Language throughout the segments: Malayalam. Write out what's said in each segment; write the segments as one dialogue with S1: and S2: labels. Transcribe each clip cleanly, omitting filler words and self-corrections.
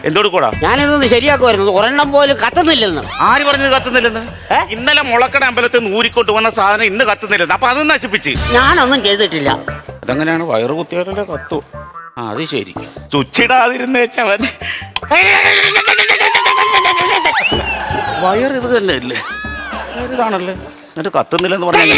S1: എന്തോട് കൂടാ?
S2: ഞാനിതൊന്ന് ശരിയാക്കുമായിരുന്നു. ഒരെണ്ണം പോലും കത്തുന്നില്ലെന്ന്.
S1: ആര് പറഞ്ഞത് കത്തുന്നില്ലെന്ന്? ഇന്നലെ മുളക്കട അമ്പലത്തിൽ നിന്ന് ഊരിക്കൊണ്ട് വന്ന സാധനം ഇന്ന് കത്തുന്നില്ലെന്ന്. അപ്പൊ അത് നശിപ്പിച്ച്.
S2: ഞാനൊന്നും ചെയ്തിട്ടില്ല.
S1: അതെങ്ങനെയാണ്? വയറ് കുത്തിയാലല്ലേ കത്തു. ആ അത് ശരി. ചുച്ചിടാതിരുന്നേച്ചവൻ വയർ ഇത് തന്നെ അല്ലേ? ഇതാണല്ലേ എന്നിട്ട് കത്തുന്നില്ലെന്ന് പറഞ്ഞ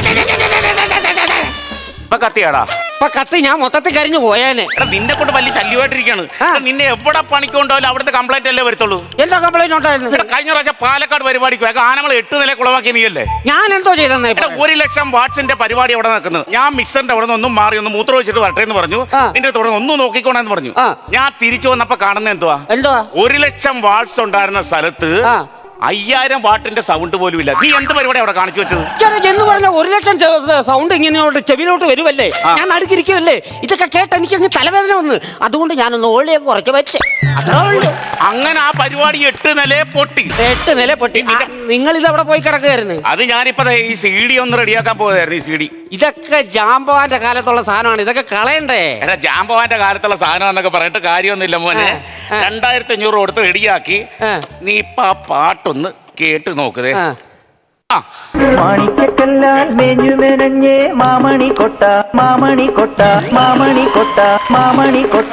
S1: ഇപ്പൊ കത്തിയാടാ?
S2: ഇപ്പൊ കത്തി ഞാൻ മൊത്തത്തിൽ കരിഞ്ഞു പോയേനെ.
S1: എടാ നിന്നെ കൊണ്ട് വലിയ ശല്യമായിട്ടിരിക്കാണ്. നിന്നെ എവിടെ പണിക്കൊണ്ടോ അവിടുത്തെ കംപ്ലൈന്റ് അല്ലേ വരത്തുള്ളൂ.
S2: എന്താ കംപ്ലൈന്റ് ഉണ്ടായിരുന്നു?
S1: കഴിഞ്ഞ പ്രാവശ്യം പാലക്കാട് പരിപാടിക്ക് ആനകൾ 8 നില കുളവാക്കി നീയല്ലേ?
S2: ഞാൻ എന്തോ ചെയ്തെന്നേ?
S1: 1,00,000 വാട്സിന്റെ പരിപാടി അവിടെ നടക്കുന്നത്. ഞാൻ മിക്സറിന്റെ അവിടെ നിന്ന് ഒന്നും മാറി ഒന്ന് മൂത്രം വെച്ചിട്ട് വരട്ടെ എന്ന് പറഞ്ഞു. നിന്റെ തുടർന്ന് ഒന്നും നോക്കിക്കോണെന്ന് പറഞ്ഞു. ഞാൻ തിരിച്ചു വന്നപ്പോ കാണുന്ന എന്തുവാ? 1,00,000 വാട്സ് ഉണ്ടായിരുന്ന സ്ഥലത്ത് 5,000 വാട്ടിന്റെ സൗണ്ട് പോലും ഇല്ല. നീ എന്ത് പരിപാടി അവിടെ കാണിച്ചു വെച്ചത്?
S2: എന്ന് പറഞ്ഞ 1,00,000 സൗണ്ട് ഇങ്ങനെയോട്ട് ചെവിയിലോട്ട് വരുമല്ലേ? ഞാൻ അടുക്കിരിക്കുമല്ലേ? ഇതൊക്കെ കേട്ട് എനിക്ക് അങ്ങ് തലവേദന വന്ന്. അതുകൊണ്ട് ഞാനൊന്ന് ഓളിയെ കുറച്ച് വെച്ച്.
S1: അങ്ങനെ ആ പരിപാടി 8 നില പൊട്ടി.
S2: 8 നില പൊട്ടി. നിങ്ങൾ ഇത് അവിടെ പോയി കിടക്കുകയായിരുന്നു.
S1: അത് ഞാനിപ്പോ ഈ CD ഒന്ന് റെഡിയാക്കാൻ പോയതായിരുന്നു. ഈ CD
S2: ഇതൊക്കെ ജാമ്പവാന്റെ കാലത്തുള്ള സാധനമാണ്. ഇതൊക്കെ കളയണ്ടേ?
S1: എടാ ജാമ്പവാന്റെ കാലത്തുള്ള സാധനം എന്നൊക്കെ പറഞ്ഞിട്ട് കാര്യമൊന്നുമില്ല മോനെ. 2,500 കൊടുത്ത് റെഡിയാക്കി. നീ ഇപ്പൊ ആ പാട്ടൊന്ന് കേട്ട് നോക്കതേ.
S3: മാണിക്കല്ലാൽ മെഞ്ഞു മെനഞ്ഞേ മാമണി കൊട്ട മാമണി കൊട്ട മാമണി കൊട്ട മാമണി കൊട്ട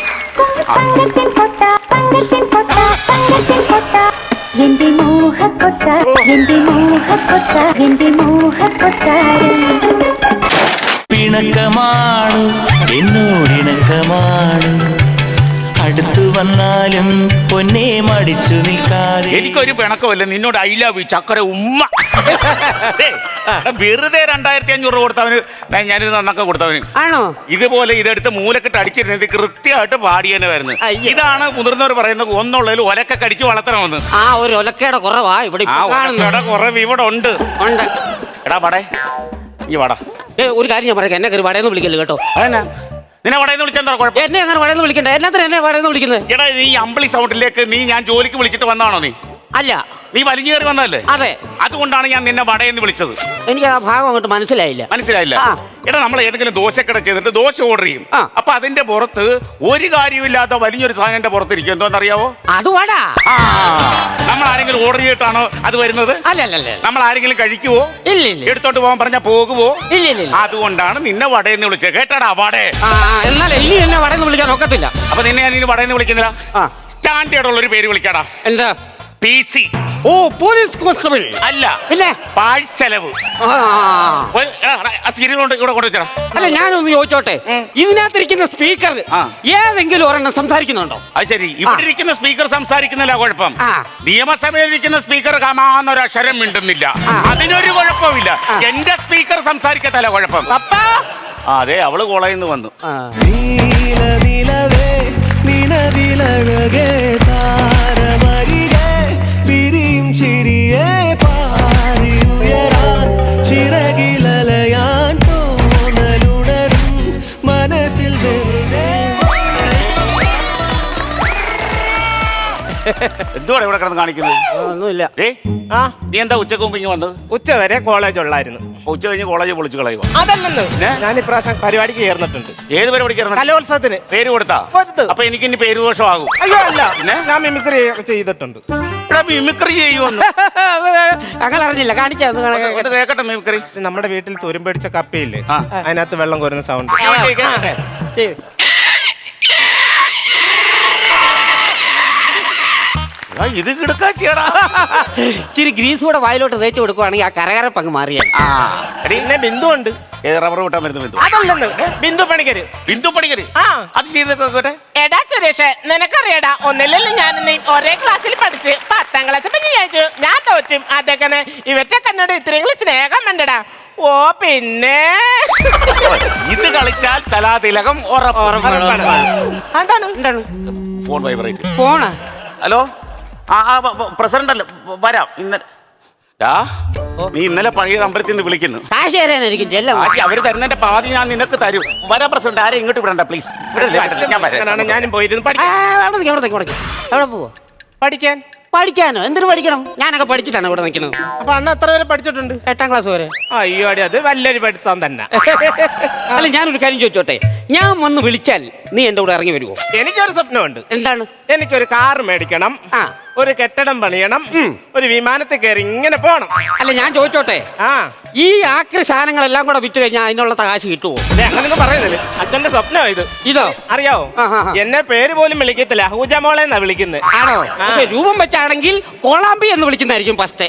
S4: എന്റെ മോഹക്കൊട്ട എന്റെ മോഹക്കൊട്ട എന്റെ മോഹക്കൊട്ട
S3: പിണക്കമാണ് എന്നോടിണക്കമാണ് അടുത്തു വന്നാലും പൊന്നെ മടിച്ചു നിൽക്കാതെ.
S1: എനിക്കൊരു പിണക്കമല്ല നിന്നോട്. ഐ ലവ് യു ചക്കര ഉമ്മ. വെറുതെ 2,500 കൊടുത്തവന് ഞാനിത് നന്നൊക്കെ കൊടുത്തവന്.
S2: ആണോ?
S1: ഇതുപോലെ ഇതെടുത്ത് മൂലക്കെട്ട് അടിച്ചിരുന്നത് കൃത്യമായിട്ട് പാടിയെന്നെ വരുന്നത്. ഇതാണ് മുതിർന്നവർ പറയുന്നത് ഒന്നുള്ളതിൽ ഒലക്കെ കടിച്ച് വളർത്തണമെന്ന്.
S2: ആ ഒരു ഒലക്കയുടെ കുറവാ ഇവിടെ.
S1: കുറവ് ഇവിടെ ഉണ്ട്. എടാ വടേ ഈ വട.
S2: ഒരു കാര്യം ഞാൻ പറയാം, എന്നെ കയറി വടയെന്ന് വിളിക്കല്ലോ കേട്ടോ.
S1: അതെന്നാ നിന്നെ വടയെന്ന് വിളിച്ചെന്താ കുഴപ്പം?
S2: എന്നെ അങ്ങനെ വടയെന്ന് വിളിക്കണ്ട. എന്നാ എന്നെ വടയെന്ന് വിളിക്കുന്നത്?
S1: എടാ നീ അമ്പിളി സൗണ്ടിലേക്ക് ഞാൻ ജോലിക്ക് വിളിച്ചിട്ട് വന്നാണോ? നീ
S2: അല്ല,
S1: നീ വലിഞ്ഞു കയറി വന്നതല്ലേ?
S2: അതെ.
S1: അതുകൊണ്ടാണ് ഞാൻ നിന്നെ വടയെന്ന് വിളിച്ചത്.
S2: എനിക്ക് ആ ഭാഗം അങ്ങോട്ട് മനസ്സിലായില്ല.
S1: എടാ നമ്മൾ ഏതെങ്കിലും ദോശക്കട ചെയ്തിട്ട് ദോശ ഓർഡർ ചെയ്യും. അപ്പൊ അതിന്റെ പുറത്ത് ഒരു കാര്യമില്ലാത്ത വലിയൊരു സാധനം പുറത്തിരിക്കും. എന്തോന്നറിയാവോ?
S2: അത് വട.
S1: നമ്മൾ ആരെങ്കിലും ഓർഡർ ചെയ്തിട്ടാണോ അത് വരുന്നത്?
S2: അല്ലല്ല.
S1: നമ്മൾ ആരെങ്കിലും കഴിക്കുവോ?
S2: ഇല്ല.
S1: എടുത്തോട്ട് പോകാൻ പറഞ്ഞാ പോകുവോ?
S2: ഇല്ല.
S1: അതുകൊണ്ടാണ് നിന്നെ വടയെന്ന് വിളിച്ചത്. കേട്ടാടാ വടേ.
S2: എന്നാലേ ഇനി എന്നെ വടയെന്ന് വിളിക്കാൻ ഒക്കത്തില്ല.
S1: അപ്പൊ നിന്നെ ഞാൻ ഇനി വടയെന്ന് വിളിക്കുന്നില്ല. സ്റ്റാൻഡേർഡ് ഉള്ള ഒരു പേര് വിളിക്കാടാ.
S2: എന്താ?
S1: PC.
S2: ഓ പോലീസ് കോൺസ്റ്റബിൾ.
S1: അല്ല
S2: ഇല്ലേ?
S1: പാഴ്ചെലവ്. സീരിയൽ കൊണ്ട് ഇവിടെ കൊണ്ടുവച്ചാ.
S2: അല്ല ഞാനൊന്ന് ചോദിച്ചോട്ടെ, ഇതിനകത്തിരിക്കുന്ന സ്പീക്കർ ഏതെങ്കിലും ഒരെണ്ണം സംസാരിക്കുന്നുണ്ടോ?
S1: അത് ശരി. ഇവിടെ ഇരിക്കുന്ന സ്പീക്കർ സംസാരിക്കുന്നില്ല, കുഴപ്പം. നിയമസഭയിൽ ഇരിക്കുന്ന സ്പീക്കർ കമാന്നൊരു അക്ഷരം മിണ്ടുന്നില്ല, അതിനൊരു കുഴപ്പമില്ല. എന്റെ സ്പീക്കർ സംസാരിക്കത്തല്ല കുഴപ്പം. അതെ അവള് കോളേജിൽ നിന്ന് വന്നു. എന്തുവാണ് ഇവിടെ കിടന്ന് കാണിക്കുന്നത്?
S2: ഒന്നുമില്ല.
S1: നീ എന്താ ഉച്ചക്ക് മുമ്പ് ഇങ്ങ് വന്നത്?
S5: ഉച്ച വരെ കോളേജ് ഉള്ളായിരുന്നു.
S1: ഉച്ച കഴിഞ്ഞ് കോളേജ് പൊളിച്ചു കളയുക?
S5: അതല്ലെന്ന്, ഞാൻ ഇപ്രാവശ്യം പരിപാടിക്ക് ചേർന്നിട്ടുണ്ട്.
S1: ഏത് പരിപാടിക്ക് ചേർന്നു?
S5: കലോത്സവത്തിന്.
S1: പേര് കൊടുത്താ? അപ്പൊ എനിക്ക് ഇനി പേര് ദോഷമാകും.
S5: അയ്യോ അല്ല, ഞാൻ മിമിക്രി ചെയ്തിട്ടുണ്ട്.
S1: മിമിക്രി ചെയ്യുമെന്ന്
S2: അങ്ങനെ അറിഞ്ഞില്ല. കാണിച്ചു
S1: കേക്കട്ടെ മിമിക്രി.
S5: നമ്മുടെ വീട്ടിൽ തുരുമ്പടിച്ച കപ്പയില്ലേ, അതിനകത്ത് വെള്ളം കോരുന്ന സൗണ്ട്.
S1: ഇത് കിടക്കാച്ചിയടാ.
S2: ഇച്ചിരി ഗ്രീസ് കൂടെ വായിലോട്ട് തേച്ച് കൊടുക്കുവാണെങ്കിൽ ആ കരകരപ്പങ്ങ് മാറിയാൽ.
S5: പിന്നെ ബിന്ദു ഉണ്ട്.
S1: റബ്ബർ വിട്ടാൻ വരുന്ന ബിന്ദു?
S5: അതല്ലെന്ന്, ബിന്ദു പണിക്കര്.
S1: ബിന്ദു പണിക്കര് അത് ചെയ്തോട്ടെ.
S6: എടാ സുരേഷ്, നിനക്കറിയടാ, ഒന്നില്ലല്ലോ ഞാൻ ഒരേ ക്ലാസ്സിൽ പഠിച്ച് 10ാം ക്ലാസ് പിന്നെ ചോദിച്ചു ഞാൻ തോറ്റും. അതൊക്കെ ഇവറ്റൊക്കെ എന്നോട് ഇത്രയും സ്നേഹം വേണ്ടടാ. ഓ പിന്നെ
S1: ഇത് കളിച്ചാൽ കലാതിലകം
S2: എന്താണ്?
S1: Phone vibrate.
S2: ഫോണാ?
S1: ഹലോ, പ്രസിഡന്റ് അല്ലേ? വരാം. നീ ഇന്നലെ പഴയ അമ്പലത്തിൽ നിന്ന് വിളിക്കുന്നു.
S2: കാശ് തരാനായിരിക്കും ചെല്ലം.
S1: അവര് തരുന്നതിന്റെ പാതി ഞാൻ നിനക്ക് തരും. വരാം പ്രസിഡന്റ്. ആരെ ഇങ്ങോട്ട് വിടണ്ട പ്ലീസ്.
S5: ഞാനും പോയിരുന്നു.
S2: എവിടെ പോവോ?
S5: പഠിക്കാൻ
S2: പഠിക്കാനോ? എന്തിനു പഠിക്കണം? ഞാനൊക്കെ പഠിച്ചിട്ടാണ് ഇവിടെ നിൽക്കുന്നത്.
S6: അപ്പൊ അണ്ണ എത്ര വരെ പഠിച്ചിട്ടുണ്ട്?
S2: 8ാം ക്ലാസ് വരെ.
S6: അയ്യോ അടി, അത് വലിയൊരു പഠിത്തം തന്നെ.
S2: അല്ല, ഞാനൊരു കാര്യം ചോദിച്ചോട്ടെ, ഞാൻ വന്ന് വിളിച്ചാൽ നീ എന്റെ കൂടെ ഇറങ്ങി വരുമോ?
S6: എനിക്കൊരു സ്വപ്നമുണ്ട്.
S2: എന്താണ്?
S6: എനിക്കൊരു കാർ മേടിക്കണം,
S2: ആ.
S6: ഒരു കെട്ടിടം പണിയണം, ഒരു വിമാനത്തിൽ കയറി ഇങ്ങനെ പോണം.
S2: അല്ല, ഞാൻ ചോദിച്ചോട്ടെ,
S6: ആ
S2: ഈ ആക്രി സാധനങ്ങളെല്ലാം കൂടെ വിറ്റ് കഴിഞ്ഞാൽ അതിനുള്ള കാശ് കിട്ടുമോ?
S6: അങ്ങനൊന്നും പറയുന്നില്ല. അച്ഛന്റെ സ്വപ്നം ഇത്.
S2: ഇതോ?
S6: അറിയാവോ? എന്നെ പേര് പോലും വിളിക്കത്തില്ല, ഹൂജ മോളെ എന്നാ വിളിക്കുന്നത്.
S2: ആണോ? പക്ഷെ രൂപം വെച്ചാണെങ്കിൽ കോളാമ്പി എന്ന് വിളിക്കുന്നതായിരിക്കും ഫസ്റ്റ്.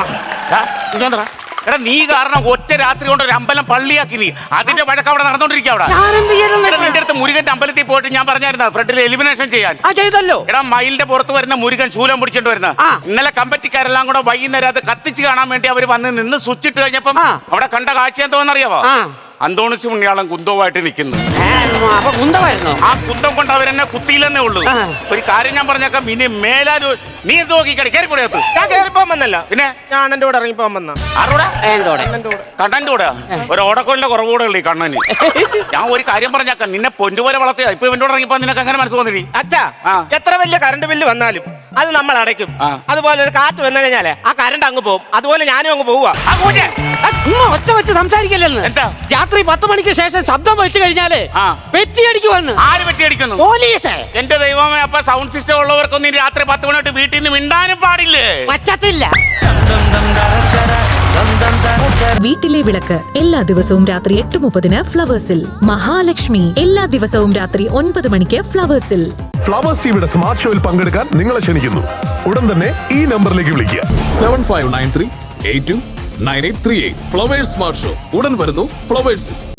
S1: എടാ, നീ കാരണം ഒറ്റ രാത്രി കൊണ്ട് ഒരു അമ്പലം പള്ളിയാക്കി നീ. അതിന്റെ വഴക്ക് അവിടെ നടന്നോണ്ടിരിക്കുക. അവിടെ
S2: ഞാനെന്ത് ചെയ്യാനാ?
S1: എടാ, നിന്റെ അടുത്ത് മുരുകന്റെ അമ്പലത്തിൽ പോയിട്ട് ഞാൻ പറഞ്ഞായിരുന്നു ഫ്രണ്ടിൽ എലിമിനേഷൻ ചെയ്യാൻ.
S2: ആ, ചെയ്തല്ലോ.
S1: എടാ, മയിലിന്റെ പുറത്ത് വരുന്ന മുരുകൻ ശൂലം പിടിച്ചോണ്ട് വരുന്ന
S2: ആ.
S1: ഇന്നലെ കമ്പറ്റിക്കാരെല്ലാം കൂടെ വൈകുന്നേരം അത് കത്തിച്ച് കാണാൻ വേണ്ടി അവർ വന്ന് നിന്ന് സ്വിച്ച് ഇട്ട് കഴിഞ്ഞപ്പം
S2: ആ.
S1: അവിടെ കണ്ട കാഴ്ച എന്തോന്നറിയാവോ?
S2: ആ.
S1: അന്തോണിസ് പുണ്യാളം കുന്തവുമായിട്ട് നിൽക്കുന്നു.
S2: അപ്പൊ കുന്തമായിരുന്നോ?
S1: ആ കുന്തം കൊണ്ട് അവരെന്നെ കുത്തിയില്ലെന്നേ ഉള്ളൂ.
S2: ആ.
S1: ഒരു കാര്യം ഞാൻ പറഞ്ഞേക്കാം, ഇനി മേലാലു നീ എന്ത് നോക്കിക്കടി കയറി കൂടെയത്ത്.
S6: ഞാൻ കയറിപ്പോൻ വന്നല്ല,
S1: പിന്നെ
S6: ഞാൻ എന്റെ കൂടെ ഇറങ്ങിപ്പോൻ വന്ന.
S1: ആരോടെ?
S2: എന്റെ കൂടെ.
S6: എന്റെ കൂടെ
S1: കണ്ണന്റെ കൂടെ ഒരു ഓടക്കോലിന്റെ കുറവുകൂടെ ഉള്ളു ഈ കണ്ണന്. ഞാൻ ഒരു കാര്യം പറഞ്ഞേക്കാം, നിന്നെ പൊന്നുപോലെ വളർത്തിയ ഇപ്പൊ ഇവന്റെ കൂടെ ഇറങ്ങിപ്പോ നിനക്ക് അങ്ങനെ മനസ്സ് തോന്നി?
S6: അച്ഛാ,
S1: ആ.
S6: എത്ര വലിയ കറണ്ട് ബില്ല് വന്നാലും അത് നമ്മൾ അടയ്ക്കും.
S1: ആ.
S6: അതുപോലെ ഒരു കാറ്റ് വന്നു കഴിഞ്ഞാലേ ആ കറണ്ട് അങ്ങ് പോകും. അതുപോലെ ഞാനും അങ്ങ് പോവുക.
S2: ഒച്ച വെച്ച് സംസാരിക്കല്ലെന്ന്.
S1: എന്താ?
S2: രാത്രി 10 മണിക്ക് ശേഷം ശബ്ദം വെച്ച് കഴിഞ്ഞാല്
S1: ആ.
S2: പെറ്റിയടിക്ക് വന്ന്
S1: ആര് പറ്റിയടിക്കുന്നു?
S2: പോലീസ്.
S1: എന്റെ ദൈവമേ, അപ്പൊ സൗണ്ട് സിസ്റ്റം ഉള്ളവർക്കൊന്നും ഇനി രാത്രി 10 മണി തൊട്ട് വീട്ടിൽ നിന്ന് മിണ്ടാനും പാടില്ലേ?
S2: പറ്റത്തില്ല.
S7: വീട്ടിലെ വിളക്ക് എല്ലാ ദിവസവും രാത്രി 8:30 ഫ്ലവേഴ്സിൽ. മഹാലക്ഷ്മി എല്ലാ ദിവസവും രാത്രി 9 മണിക്ക് ഫ്ലവേഴ്സിൽ.
S8: ഫ്ലവേഴ്സ് ടിവിയുടെ സ്മാർട്ട് ഷോയിൽ പങ്കെടുക്കാൻ നിങ്ങളെ ക്ഷണിക്കുന്നു. ഉടൻ തന്നെ ഈ നമ്പറിലേക്ക് വിളിക്കുക.
S9: 7593829838. ഫ്ലവേഴ്സ് സ്മാർട്ട് ഷോ ഉടൻ വരുന്നു ഫ്ലവേഴ്സിൽ.